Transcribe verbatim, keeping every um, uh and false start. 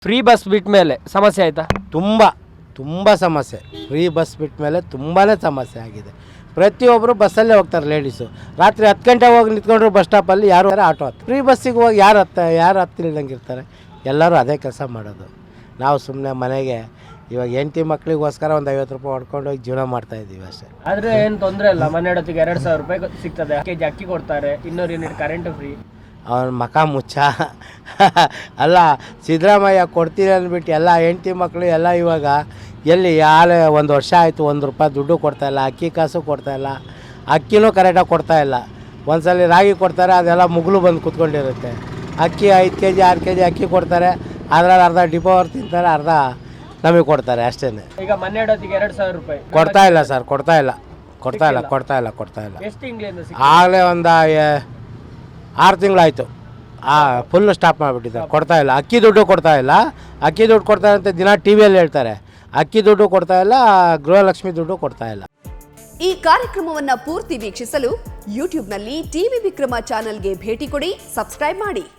Free bus ಬಿಟ್ಟ ಮೇಲೆ ಸಮಸ್ಯೆ ಆಯಿತಾ? ತುಂಬ ತುಂಬ ಸಮಸ್ಯೆ. ಫ್ರೀ ಬಸ್ ಬಿಟ್ಟ ಮೇಲೆ ತುಂಬಾ ಸಮಸ್ಯೆ ಆಗಿದೆ. ಪ್ರತಿಯೊಬ್ಬರು ಬಸ್ಸಲ್ಲೇ ಹೋಗ್ತಾರೆ. ಲೇಡೀಸು ರಾತ್ರಿ ಹತ್ತು ಗಂಟೆ ಹೋಗಿ ನಿಂತ್ಕೊಂಡ್ರು ಬಸ್ ಸ್ಟಾಪಲ್ಲಿ, ಯಾರು ಆಟೋ ಹತ್ತು ಫ್ರೀ ಬಸ್ಸಿಗೆ ಹೋಗಿ ಯಾರು ಹತ್ತ ಯಾರು ಹತ್ತಿಲ್ದಂಗೆ ಇರ್ತಾರೆ. ಎಲ್ಲರೂ ಅದೇ ಕೆಲಸ ಮಾಡೋದು. ನಾವು ಸುಮ್ಮನೆ ಮನೆಗೆ ಇವಾಗ ಹೆಂಡತಿ ಮಕ್ಕಳಿಗೋಸ್ಕರ ಒಂದು ಐವತ್ತು ರೂಪಾಯಿ ಹೊಡ್ಕೊಂಡು ಹೋಗಿ ಜೀವನ ಮಾಡ್ತಾಯಿದ್ದೀವಿ ಅಷ್ಟೇ. ಆದರೆ ಏನು ತೊಂದರೆ ಇಲ್ಲ. ಮನೆ ಹೊತ್ತಿಗೆ ಎರಡು ಸಾವಿರ ರೂಪಾಯಿ ಸಿಗ್ತದೆ, ಕೆ ಜಿ ಅಕ್ಕಿ ಕೊಡ್ತಾರೆ, ಇನ್ನೂರು ಯೂನಿಟ್ ಕರೆಂಟು ಫ್ರೀ. ಅವನ ಮಕ ಮುಚ್ಚ ಅಲ್ಲ, ಸಿದ್ದರಾಮಯ್ಯ ಕೊಡ್ತೀನಿ ಅಂದ್ಬಿಟ್ಟು ಎಲ್ಲ ಹೆಂಡತಿ ಮಕ್ಕಳು ಎಲ್ಲ ಇವಾಗ ಎಲ್ಲಿ ಯಾಳೆ ಒಂದು ವರ್ಷ ಆಯಿತು, ಒಂದು ರೂಪಾಯಿ ದುಡ್ಡು ಕೊಡ್ತಾಯಿಲ್ಲ, ಅಕ್ಕಿ ಕಾಸು ಕೊಡ್ತಾಯಿಲ್ಲ, ಅಕ್ಕಿನೂ ಕರೆಕ್ಟಾಗಿ ಕೊಡ್ತಾಯಿಲ್ಲ. ಒಂದು ಸಲ ರಾಗಿ ಕೊಡ್ತಾರೆ, ಅದೆಲ್ಲ ಮುಗುಲು ಬಂದು ಕೂತ್ಕೊಂಡಿರುತ್ತೆ. ಅಕ್ಕಿ ಐದು ಕೆ ಜಿ ಆರು ಕೆ ಜಿ ಅಕ್ಕಿ ಕೊಡ್ತಾರೆ, ಅದರಲ್ಲಿ ಅರ್ಧ ಡಿಪೋ ಅವ್ರು ತಿಂತಾರೆ, ಅರ್ಧ ನಮಗೆ ಕೊಡ್ತಾರೆ ಅಷ್ಟೇ. ಈಗ ಮನೆ ಹೊತ್ತಿಗೆ ಎರಡು ಸಾವಿರ ರೂಪಾಯಿ ಕೊಡ್ತಾ ಇಲ್ಲ ಸರ್, ಕೊಡ್ತಾ ಇಲ್ಲ ಕೊಡ್ತಾ ಇಲ್ಲ ಕೊಡ್ತಾ ಇಲ್ಲ ಕೊಡ್ತಾ ಇಲ್ಲ ಎಷ್ಟು ತಿಂಗಳಿಂದ? ಆಗಲೇ ಒಂದು ಆರು ತಿಂಗಳಾಯಿತು. ಆ ಫುಲ್ಲು ಸ್ಟಾಪ್ ಮಾಡಿಬಿಟ್ಟಿದ್ದಾರೆ, ಕೊಡ್ತಾ ಇಲ್ಲ. ಅಕ್ಕಿ ದುಡ್ಡು ಕೊಡ್ತಾ ಇಲ್ಲ. ಅಕ್ಕಿ ದುಡ್ಡು ಕೊಡ್ತಾರೆ ಅಂತ ದಿನ ಟಿ ವಿಯಲ್ಲಿ ಹೇಳ್ತಾರೆ. ಅಕ್ಕಿ ದುಡ್ಡು ಕೊಡ್ತಾ ಇಲ್ಲ, ಗೃಹಲಕ್ಷ್ಮಿ ದುಡ್ಡು ಕೊಡ್ತಾ ಇಲ್ಲ. ಈ ಕಾರ್ಯಕ್ರಮವನ್ನು ಪೂರ್ತಿ ವೀಕ್ಷಿಸಲು ಯೂಟ್ಯೂಬ್ನಲ್ಲಿ ಟಿವಿ ವಿಕ್ರಮ ಚಾನೆಲ್ಗೆ ಭೇಟಿ ಕೊಡಿ, ಸಬ್ಸ್ಕ್ರೈಬ್ ಮಾಡಿ.